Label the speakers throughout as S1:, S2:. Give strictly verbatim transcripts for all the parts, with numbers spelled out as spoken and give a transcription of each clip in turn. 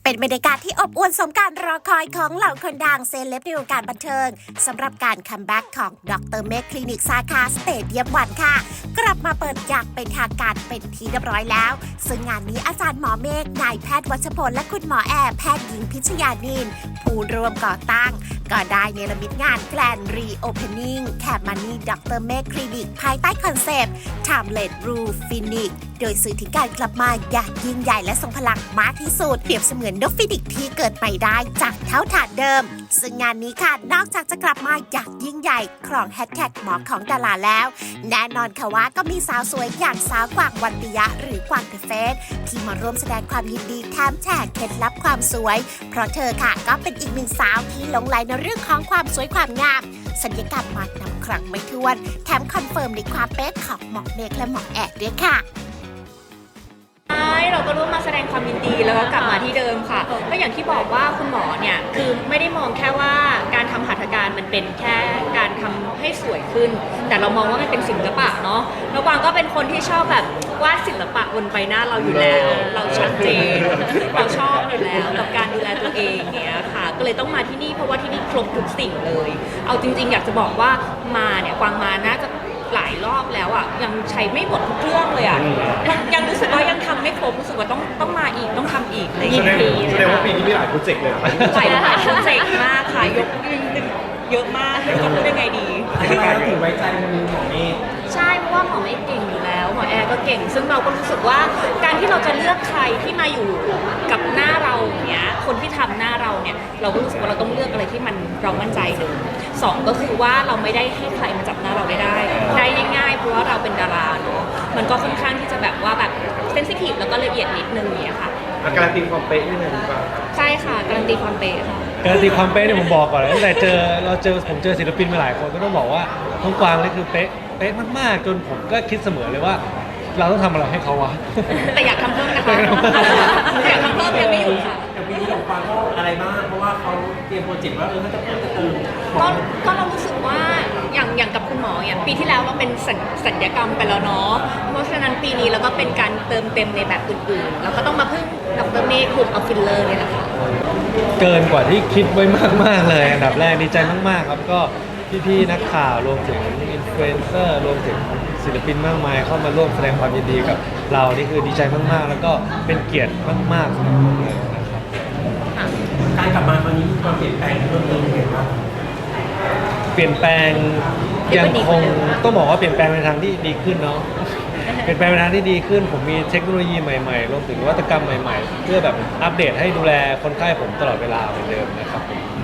S1: เป็นบรรยากาศที่อบอวลสมการรอคอยของเหล่าคนดังเซเลบในวงการบันเทิงสำหรับการคัมแบ็กของดรเมฆคลินิกสาขาสเตเดียมวันค่ะกลับมาเปิดอย่างเป็นทางการเป็นที่เรียบร้อยแล้วซึ่งงานนี้อาจารย์หมอเมฆนายแพทย์วัชพลและคุณหมอแอร์แพทย์หญิงพิชยานินผู้ร่วมก่อตั้งก็ได้เนรมิตงานแกลนรีโอเพนนิ่งแคบมันนี่ดรเมฆคลินิกภายใต้คอนเซปต์ Timeless Rule Finish โดยสื่อถึงการกลับมาอย่างยิ่งใหญ่และทรงพลังมากที่สุดเปรียบเสมือนนกฟินิกซ์ที่เกิดใหม่ได้จากเท่าฐานเดิมซึ่งงานนี้ค่ะนอกจากจะกลับมาอย่างยิ่งใหญ่ครองแฮชแท็กหมอของดาราแล้วแน่นอนค่ะว่าก็มีสาวสวยอย่างสาวกวางวันปิยะหรือกวางเดอะเฟสที่มาร่วมแสดงความยินดีแถมแชร์เคล็ดลับความสวยเพราะเธอค่ะก็เป็นอีกหนึ่งสาวที่หลงไหลในเรื่องของความสวยความงามศัลยกรรมมานำครั้งไม่ถ้วนแถมคอนเฟิร์มในความเป๊ะของหมอเมฆและหมอแอดด้วยค่ะ
S2: ใช่เราก็ร่วมมาแสดงความยินดีแล้วก็กลับมาที่เดิมค่ะก็อย่างที่บอกว่าคุณหมอเนี่ยคือไม่ได้มองแค่ว่าการทำหัตถการมันเป็นแค่การทำให้สวยขึ้นแต่เรามองว่ามันเป็นศิลปะเนาะแล้วกวางก็เป็นคนที่ชอบแบบวาดศิลปะบนใบหน้าเราอยู่แล้วเราชัดเจนเราชอบอยู่แล้วกับการดูแลตัวเองเนี้ยค่ะก็เลยต้องมาที่นี่เพราะว่าที่นี่ครบทุกสิ่งเลยเอาจริงๆอยากจะบอกว่ามาเนี่ยกวางมาน่าจะหลายรอบแล้วอ่ะยังใช้ไม่หมดทุกเครื่องเลยอ่ะยังยังรู้สึกว่ายังทำไม่ครบรู้สึกว่าต้องต้องมาอีกต้องทำอีกในอีกปี
S3: แสดงว่าปีนี้มีหลายโปรเจกต์เลย
S2: หลายหลายโปรเจกต์มากค่ะยกดึงเยอะมากไม่รู้จะพูดยังไงดี
S3: ทำไมถึงไว้ใจมือหมอเมฆ
S2: ใช่เพราะว่าหมอเมฆเก่งอยู่แล้วหมอแอร์ก็เก่งซึ่งเราก็รู้สึกว่าการที่เราจะเลือกใครที่มาอยู่กับหน้าเราอย่างเงี้ยคนที่ทำหน้าเราเนี่ยเราก็รู้สึกว่าเราต้องเลือกอะไรที่มันเรามั่นใจหนึ่งสองก็คือว่าเราไม่ได้ให้ใครมาจับหน้าเราได้ได้ได้ง่ายๆเพราะว่าเราเป็นดาราเนาะมันก็ค่อนข้างที่จะแบบว่าแบบเซนซิทีฟแล้วก็ละเอียดนิดนึงเนี่ยค่ะ
S3: การันตีความเป๊ะนี่เลยดีกว่า
S2: ใช่ค่ะการันตีความเป๊ะค่ะ
S4: การันตีความเป๊ะเนี่ยผมบอกก่อนเลยตั้งแต่เจอเราเจอผมเจอศิลปินมาหลายคนก็ต้องบอกว่าน้องกวางนี่คือเป๊ะเป๊ะมากๆจนผมก็คิดเสมอเลยว่าเราต้องทำอะไรให้เขาวะ
S2: แต่อยากทำเพิ่มนะคะอยากทำเพิ่มยังไม่อยู่ค่ะ
S3: แต่ปีนี้ของกวางก็อะไรบ้างเพราะว่าเขาเตรียมโปรเจกต์ว่าเออเขาจะเพิ่มจะเติม
S2: ก็ก็เรารู้สึกว่าอย่างอย่างกับคุณหมอเนี่ยปีที่แล้วเราเป็นศัลยกรรมไปแล้วเนาะเพราะฉะนั้นปีนี้เราก็เป็นการเติมเต็มในแบบอื่นๆเราก็ต้องมาพึ่งดรเมฆกลุ่มเอาฟิลเลอร์เนี่ยแหละค่ะ
S4: เกินกว่าที่คิดไว้มากๆเลยอันดับแรกดีใจมากๆครับก็พี่ๆนักข่าวรวมถึงอินฟลูเอนเซอร์รวมถึงศิลปินมากมายเข้ามาร่วมแสดงความยินดีกับเรานี่คือดีใจมากๆแล้วก็เป็นเกียรติมากๆสำหรับผมเลยนะครับ
S3: การกลับมาตอนนี้มีความเปลี่ยนแปลงเพิ่มเติมยังไงบ้าง
S4: เปลี่ยนแปลงยังคงต้องบอกว่าเปลี่ยนแปลงในทางที่ดีขึ้นเนาะเปลี่ยนแปลงในทางที่ดีขึ้นผมมีเทคโนโลยีใหม่ๆรวมถึงนวัตกรรมใหม่ๆเพื่อแบบอัปเดตให้ดูแลคนไข้ผมตลอดเวลาเหมือนเดิมนะครับ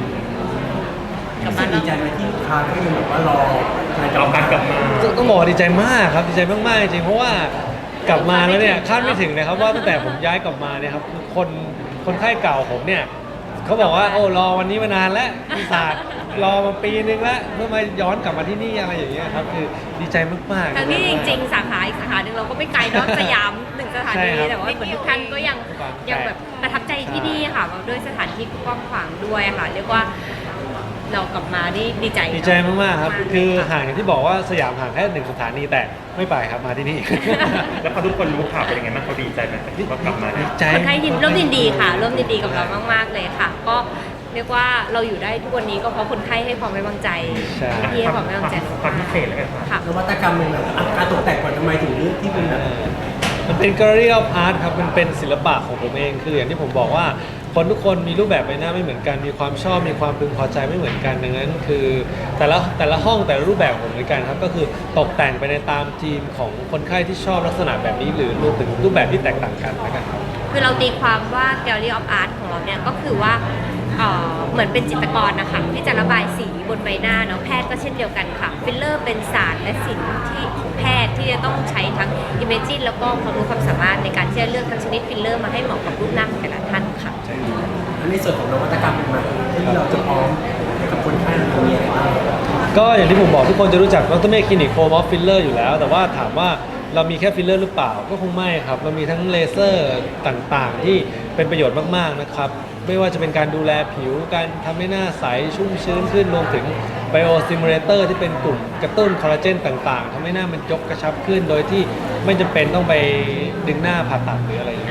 S3: ดีใจไหมที่ลูกค้าก็ยังแบบว่ารอการกลับมา
S4: ต้องบอกดีใจมากครับดีใจมากๆจริงเพราะว่ากลับมาแล้วเนี่ยคาดไม่ถึงนะครับว่าตั้งแต่ผมย้ายกลับมาเนี่ยครับคนคนไข้เก่าผมเนี่ยเขาบอกว่าโอ้รอวันนี้มานานแล้วมีศาสตร์รอมาปีนึงแล้วเพื่อมาย้อนกลับมาที่นี่อะไรอย่างเงี้ยครับคือดีใจมากๆ
S2: ทั้งที่จริงๆสาขาอีกสาขาหนึ่งเราก็ไม่ไกลเนาะสยามหนึ่งสถานีแต่ว่าเหมือนทุกท่านก็ยังยังแบบประทับใจที่นี่ค่ะด้วยสถานที่กว้างขวางด้วยค่ะเรียกว่าเรากลับมาดีดีใจ
S4: ดีใจมากๆครับคือห่างอย่างที่บอกว่าสยามห่างแค่หนึ่งสถานีแต่ไม่ไปครับมาที่นี่
S3: แล้วพอทุกคนรู้ข่าวเป็นยังไงบ้างเขาดีใจไหมที่เขากลับมา
S4: ดีใจ
S2: คนไทยยินร่วมยินดีค่ะร่วมยินดีกับเรามากๆเลยค่ะก็เรียกว่าเราอยู่ได้ทุกวันนี้ก็เพราะคนไข้ให้ความไว้วางใจที่ให้ความไว้วางใจ
S3: ความพิเศษแล้วกัน
S2: ค่ะ
S3: นวัตกรรมใหม่ๆการตกแต่งก่อนทำไมถึงเลือกที่เป็นแบบ
S4: มันเป็น Gallery of Art ครับมันเป็นศิลปะของผมเองคืออย่างที่ผมบอกว่าคนทุกคนมีรูปแบบใบหน้าไม่เหมือนกันมีความชอบมีความพึงพอใจไม่เหมือนกันดังนั้นคือแต่ละแต่ละห้องแต่ละรูปแบบของเหมือนกันครับก็คือตกแต่งไปในตามธีมของคนไข้ที่ชอบลักษณะแบบนี้หรือรวมถึงรูปแบบที่แตกต่างกันนะครับ
S2: คือเราตีความว่า Gallery of Art ของเราเนี่ยก็คือว่าเหมือนเป็นจิตรกรนะคะที่จะระบายสีบนใบหน้าเนาะแพทย์ก็เช่นเดียวกันค่ะฟิลเลอร์เป็นศาสตร์และศิลป์ที่ของแพทย์ที่จะต้องใช้ทั้งอิมเมจินแล้วก็ความรู้ความสามารถในการที่จะเลือกทั้งชนิดฟิลเลอร์มาให้เหมาะกับรูปหน้าของแต่ละท่านค่ะ
S3: ในส่วนของนวัตกรรมใหม่ที่เราจะพร้อมให้กับคนไข้เรามีอะไรบ้าง
S4: ก็อย่างที่ผมบอกทุกคนจะรู้จักดรเมฆคลินิกโคมอฟฟิลเลอร์อยู่แล้วแต่ว่าถามว่าเรามีแค่ฟิลเลอร์หรือเปล่าก็คงไม่ครับเรามีทั้งเลเซอร์ต่างๆที่เป็นประโยชน์มากๆนะครับไม่ว่าจะเป็นการดูแลผิวการทำให้หน้าใสชุ่มชื้นขึ้นรวมถึงไบโอสติมูเลเตอร์ที่เป็นกลุ่มกระตุ้นคอลลาเจนต่างๆทำให้หน้ามันยกกระชับขึ้นโดยที่ไม่จำเป็นต้องไปดึงหน้าผ่าตัดหรืออะไรอย่างเงี้ย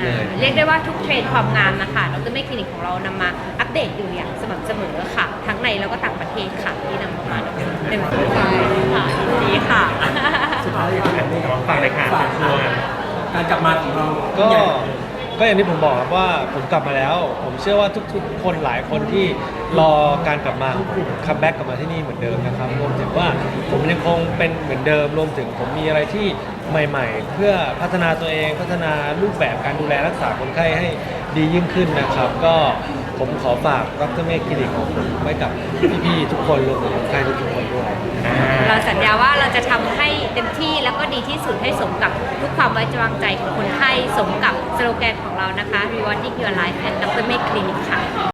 S5: เรียกได้ว่าทุกเทรนด์ความงามนะคะดรเมฆคลินิกของเรานำมาอัปเดตอยู่อย่างสม่ำเสมอค่ะ ทั้งในแล้วก็ต่างประเทศค่ะที่นำเข้ามาในในวันนี้ค่ะดีค่ะ
S3: สุดท้ายอยากให้ได้
S6: ฝากเลยค่ะ
S3: ฝาก
S6: เชิญชวน
S3: การกลับมาของเรา
S4: ก็
S3: ใหญ่
S4: ก็อย่างที่ผมบอกครับว่าผมกลับมาแล้ว ผมเชื่อว่าทุกๆ คนหลายคนที่รอการกลับมาของผมคัมแบ็กกลับมาที่นี่เหมือนเดิมนะครับรวมถึงว่าผมยังคงเป็นเหมือนเดิม รวมถึงผมมีอะไรที่ใหม่ๆ เพื่อพัฒนาตัวเองพัฒนารูปแบบการดูแลรักษาคนไข้ให้ดียิ่งขึ้นนะครับ ก็ผมขอฝากดรเมฆคลินิกของผมไว้กับพี่ๆทุกคนรวมถึงคนไข้ทุกๆคนด้วย
S5: เราสัญญาว่าเราจะทำให้เต็มที่แล้วก็ดีที่สุดให้สมกับทุกความไว้วางใจของคนไข้สมกับสโลแกนของเรานะคะ Rewarding Your Life at ดรเมฆคลินิกค่ะ